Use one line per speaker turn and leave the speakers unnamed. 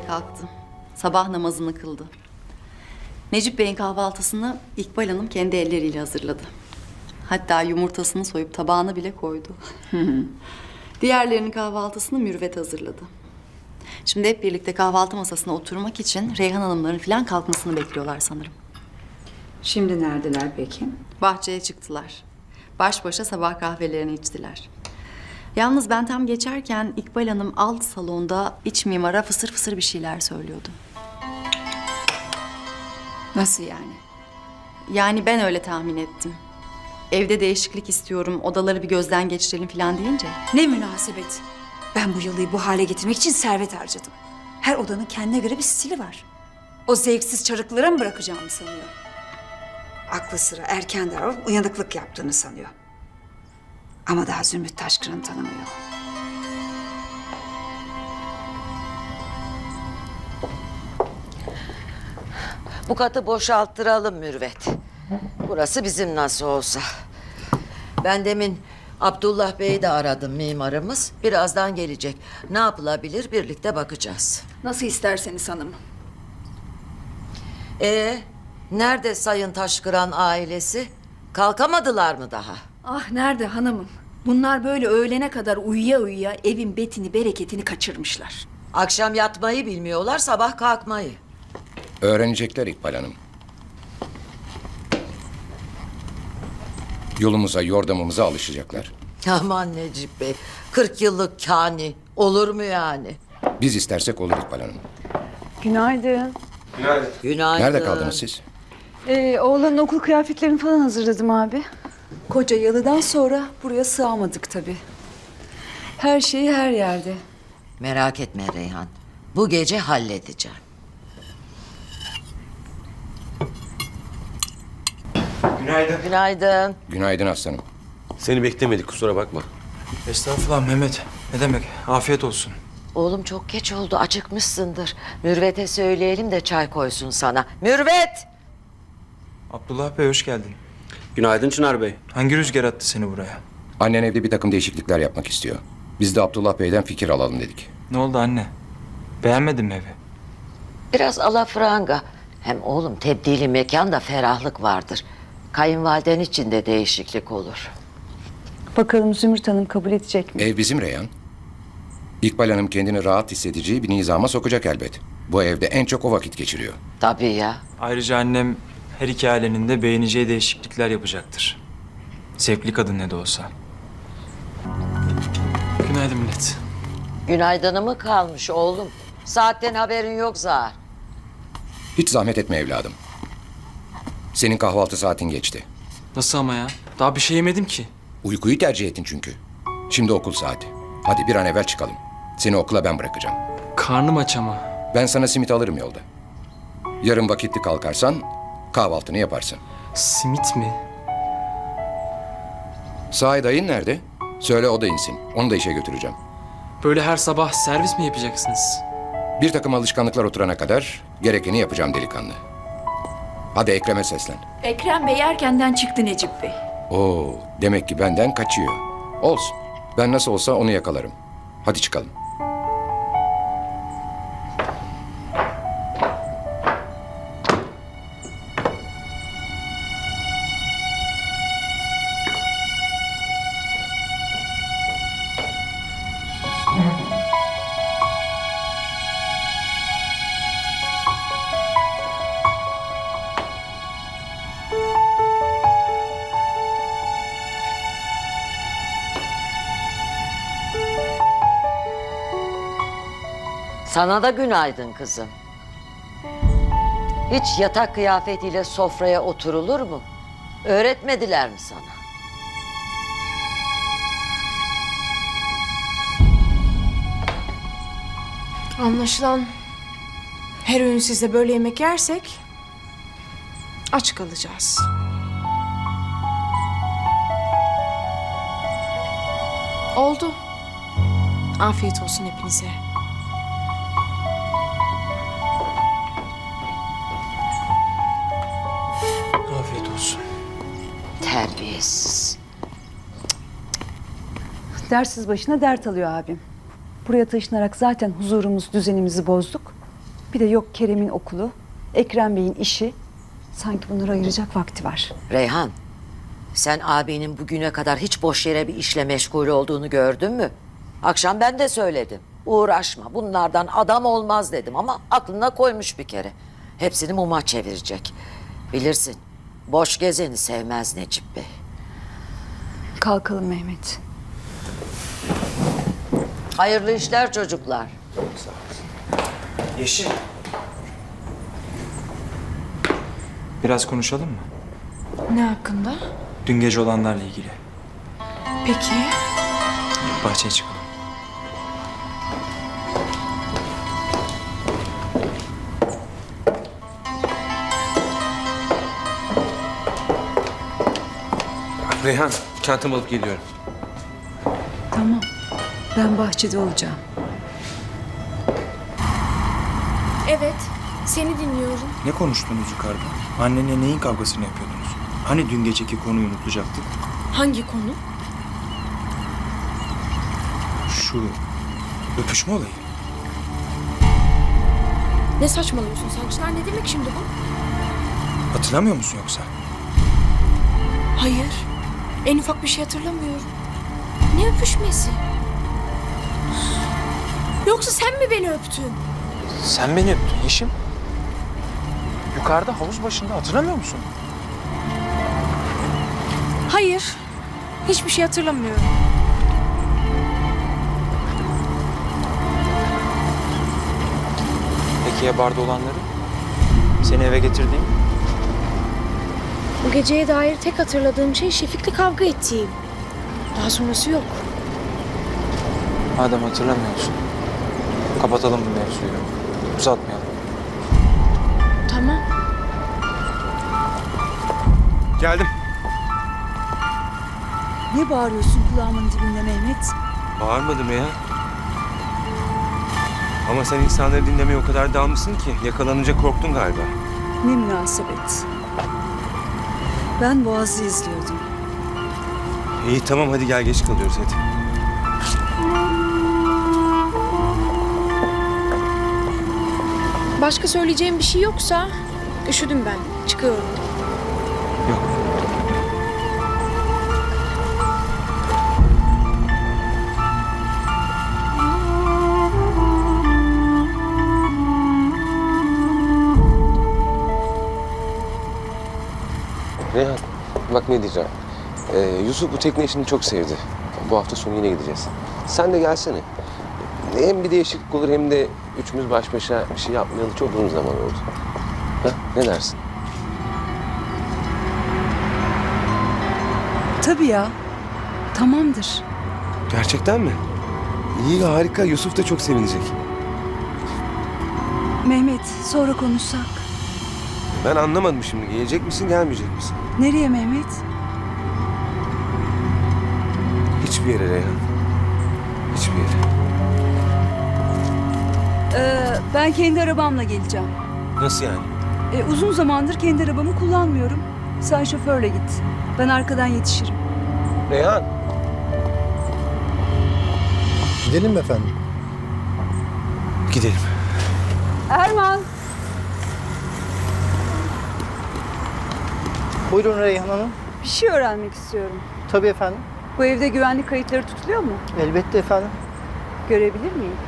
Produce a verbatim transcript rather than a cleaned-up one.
erkenden kalktı. Sabah namazını kıldı. Necip Bey'in kahvaltısını İkbal Hanım kendi elleriyle hazırladı. Hatta yumurtasını soyup tabağına bile koydu. Diğerlerinin kahvaltısını Mürüvvet hazırladı. Şimdi hep birlikte kahvaltı masasına oturmak için Reyhan Hanımların falan kalkmasını bekliyorlar sanırım.
Şimdi neredeler peki?
Bahçeye çıktılar. Baş başa sabah kahvelerini içtiler. Yalnız ben tam geçerken İkbal Hanım alt salonda iç mimara fısır fısır bir şeyler söylüyordu.
Nasıl yani?
Yani ben öyle tahmin ettim. Evde değişiklik istiyorum, odaları bir gözden geçirelim falan deyince.
Ne münasebet. Ben bu yalıyı bu hale getirmek için servet harcadım. Her odanın kendine göre bir stili var. O zevksiz çarıklara mı bırakacağımı sanıyor? Aklı sıra erken davranıp uyanıklık yaptığını sanıyor. Ama daha Zümrüt Taşkıran'ı tanımıyor.
Bu katı boşalttıralım Mürüvvet. Burası bizim nasıl olsa. Ben demin Abdullah Bey'i de aradım, mimarımız. Birazdan gelecek. Ne yapılabilir birlikte bakacağız.
Nasıl isterseniz hanım.
Ee, nerede Sayın Taşkıran ailesi? Kalkamadılar mı daha?
Ah nerede hanımım? Bunlar böyle öğlene kadar uyuya uyuya evin betini bereketini kaçırmışlar.
Akşam yatmayı bilmiyorlar, sabah kalkmayı.
Öğrenecekler İkbal Hanım. Yolumuza, yordamımıza alışacaklar.
Aman Necip Bey, kırk yıllık kani. Olur mu yani?
Biz istersek olur İkbal Hanım.
Günaydın.
Günaydın.
Nerede kaldınız siz?
Ee, oğlanın okul kıyafetlerini falan hazırladım abi. Koca yalıdan sonra buraya sığamadık tabii. Her şeyi her yerde.
Merak etme Reyhan. Bu gece halledeceğim.
Günaydın.
Günaydın.
Günaydın aslanım.
Seni beklemedik, kusura bakma.
Estağfurullah Mehmet. Ne demek? Afiyet olsun.
Oğlum çok geç oldu, acıkmışsındır. Mürvet'e söyleyelim de çay koysun sana. Mürvet!
Abdullah Bey hoş geldin.
Günaydın Çınar Bey.
Hangi rüzgar attı seni buraya?
Annen evde bir takım değişiklikler yapmak istiyor. Biz de Abdullah Bey'den fikir alalım dedik.
Ne oldu anne? Beğenmedin mi evi?
Biraz alafranga. Hem oğlum tebdili mekanda ferahlık vardır. Kayınvaliden için de değişiklik olur.
Bakalım Zümrüt Hanım kabul edecek mi?
Ev bizim Reyhan. İkbal Hanım kendini rahat hissedeceği bir nizama sokacak elbet. Bu evde en çok o vakit geçiriyor.
Tabii ya.
Ayrıca annem her iki ailenin de beğeneceği değişiklikler yapacaktır. Zevkli kadın ne de olsa. Günaydın millet.
Günaydını mı kalmış oğlum? Saatten haberin yok zar.
Hiç zahmet etme evladım. Senin kahvaltı saatin geçti.
Nasıl ama ya? Daha bir şey yemedim ki.
Uykuyu tercih ettin çünkü. Şimdi okul saati. Hadi bir an evvel çıkalım. Seni okula ben bırakacağım.
Karnım aç ama.
Ben sana simit alırım yolda. Yarın vakitli kalkarsan kahvaltını yaparsın.
Simit mi?
Sahi dayın nerede? Söyle o da insin. Onu da işe götüreceğim.
Böyle her sabah servis mi yapacaksınız?
Bir takım alışkanlıklar oturana kadar gerekeni yapacağım delikanlı. Hadi Ekrem'e seslen.
Ekrem Bey erkenden çıktı Necip Bey.
Oo, demek ki benden kaçıyor. Olsun. Ben nasıl olsa onu yakalarım. Hadi çıkalım.
Sana da günaydın kızım. Hiç yatak kıyafetiyle sofraya oturulur mu? Öğretmediler mi sana?
Anlaşılan her öğün sizde böyle yemek yersek aç kalacağız. Oldu. Afiyet olsun hepinize.
Afiyet olsun.
Terbiyesiz.
Dersiz başına dert alıyor abim. Buraya taşınarak zaten huzurumuz, düzenimizi bozduk. Bir de yok Kerem'in okulu, Ekrem Bey'in işi. Sanki bunları ayıracak vakti var.
Reyhan, sen abinin bugüne kadar hiç boş yere bir işle meşgul olduğunu gördün mü? Akşam ben de söyledim. Uğraşma, bunlardan adam olmaz dedim ama aklına koymuş bir kere. Hepsini muma çevirecek. Bilirsin, boş gezeni sevmez Necip Bey.
Kalkalım Mehmet.
Hayırlı işler çocuklar.
Yeşim. Biraz konuşalım mı?
Ne hakkında?
Dün gece olanlarla ilgili.
Peki.
Bahçeye çıkalım.
Reyhan, çantamı alıp geliyorum.
Tamam. Ben bahçede olacağım.
Evet, seni dinliyorum.
Ne konuştunuz yukarıda? Annenle neyin kavgasını yapıyordunuz? Hani dün geceki konuyu unutacaktık?
Hangi konu?
Şu öpüşme olayı.
Ne saçmalıyorsun sen Çınar? Ne demek şimdi bu?
Hatırlamıyor musun yoksa?
Hayır. En ufak bir şey hatırlamıyorum. Ne öpüşmesi? Yoksa sen mi beni öptün?
Sen beni öptün Yeşim. Yukarıda havuz başında hatırlamıyor musun?
Hayır. Hiçbir şey hatırlamıyorum.
Peki ya barda olanları? Seni eve getirdiğim?
Bu geceye dair tek hatırladığım şey Şefik'le kavga ettiğim. Daha sonrası yok.
Madem hatırlamıyorsun, kapatalım bu mevzuyu. Uzatmayalım.
Tamam.
Geldim.
Ne bağırıyorsun kulağımın dibinde Mehmet?
Bağırmadım ya. Ama sen insanları dinlemeye o kadar dalmışsın ki yakalanınca korktun galiba.
Ne münasebet. Ben Boğaz'ı izliyordum.
İyi tamam hadi gel geç kalıyoruz hadi.
Başka söyleyeceğim bir şey yoksa üşüdüm ben. Çıkıyorum.
Yok.
Reyhan, bak ne diyeceğim. Ee, Yusuf bu tekne işini çok sevdi. Bu hafta sonu yine gideceğiz. Sen de gelsene. Hem bir değişiklik olur hem de üçümüz baş başa bir şey yapmayalı çok uzun zaman oldu. Ha, ne dersin?
Tabii ya. Tamamdır.
Gerçekten mi? İyi, harika. Yusuf da çok sevinecek.
Mehmet, sonra konuşsak.
Ben anlamadım şimdi. Gelecek misin, gelmeyecek misin?
Nereye Mehmet?
Hiçbir yere Reyhan. Hiçbir yere.
Ee, ben kendi arabamla geleceğim.
Nasıl yani?
Ee, uzun zamandır kendi arabamı kullanmıyorum. Sen şoförle git. Ben arkadan yetişirim.
Reyhan.
Gidelim mi efendim?
Gidelim.
Erman.
Buyurun Reyhan Hanım.
Bir şey öğrenmek istiyorum.
Tabii efendim.
Bu evde güvenlik kayıtları tutuluyor mu?
Elbette efendim.
Görebilir miyim?